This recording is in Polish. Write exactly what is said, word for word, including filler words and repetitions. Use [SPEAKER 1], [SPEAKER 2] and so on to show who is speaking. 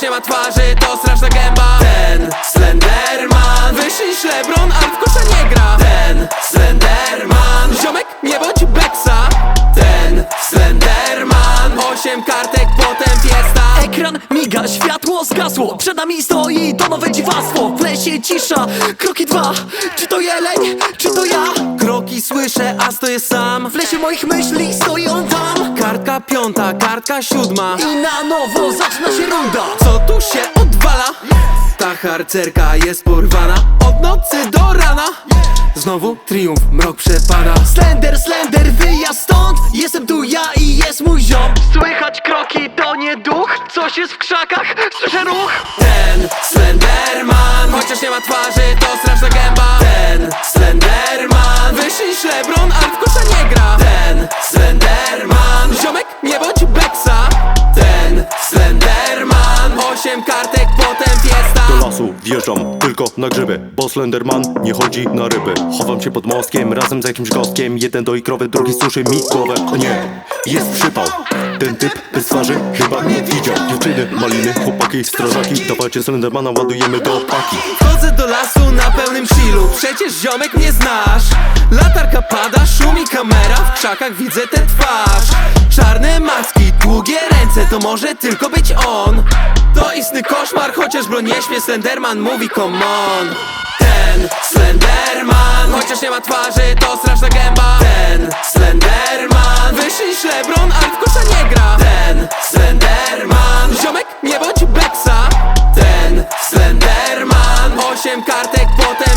[SPEAKER 1] Chociaż nie ma twarzy, to straszna gęba. Ten Slenderman wyższy niż LeBron, ale w kosza nie gra. Ten Slenderman, ziomek, nie bądź beksa. Ten Slenderman, osiem kartek, potem fiesta.
[SPEAKER 2] Ekran miga, światło zgasło. Przed nami stoi to nowe dziwactwo. W lesie cisza, kroki dwa. Czy to jeleń, czy to ja?
[SPEAKER 1] Kroki słyszę, a stoję sam.
[SPEAKER 2] W lesie moich myśli stoi on tam.
[SPEAKER 1] Kartka piąta, kartka siódma.
[SPEAKER 2] I na nowo zaczyna się runda.
[SPEAKER 1] Co tu się odwala? Ta harcerka jest porwana. Od nocy do rana znowu triumf, mrok przepada.
[SPEAKER 2] Slender, Slender, wyjazd stąd. Jestem tu ja i jest mój ziom. Słychać kroki, to nie duch. Coś jest w krzakach, słyszę ruch.
[SPEAKER 1] Ten Slenderman, chociaż nie ma twarzy, to straszna gęba. Ten Slenderman, wyższy niż LeBron, ale w kosza nie gra. Ten Slenderman, ziomek, nie bądź beksa. Ten Slenderman, osiem kartek, potem fiesta.
[SPEAKER 3] Do lasu wjeżdżam tylko na grzyby, bo Slenderman nie chodzi na ryby. Chowam się pod mostkiem razem z jakimś gostkiem. Jeden doi krowę, drugi suszy mi głowę. O nie, jest przypał. Ten typ bez twarzy chyba nie widział. Dziewczyny, maliny, chłopaki, strażaki. Dawajcie Slendermana, ładujemy do paki.
[SPEAKER 1] Wchodzę do lasu na pełnym chillu, przecież ziomek mnie znasz. Latarka pada, szumi kamera, w krzakach widzę tę twarz. Czarne maski, długie ręce, to może tylko być on. To istny koszmar, chociaż broń nie śmie, Slenderman mówi come on. Ten Slenderman, chociaż nie ma twarzy, to straszna gęba. Ten Slenderman, wyższy niż LeBron, ale w kosza nie gra. Ten Slenderman, ziomek, nie bądź beksa. Ten Slenderman, osiem kartek, potem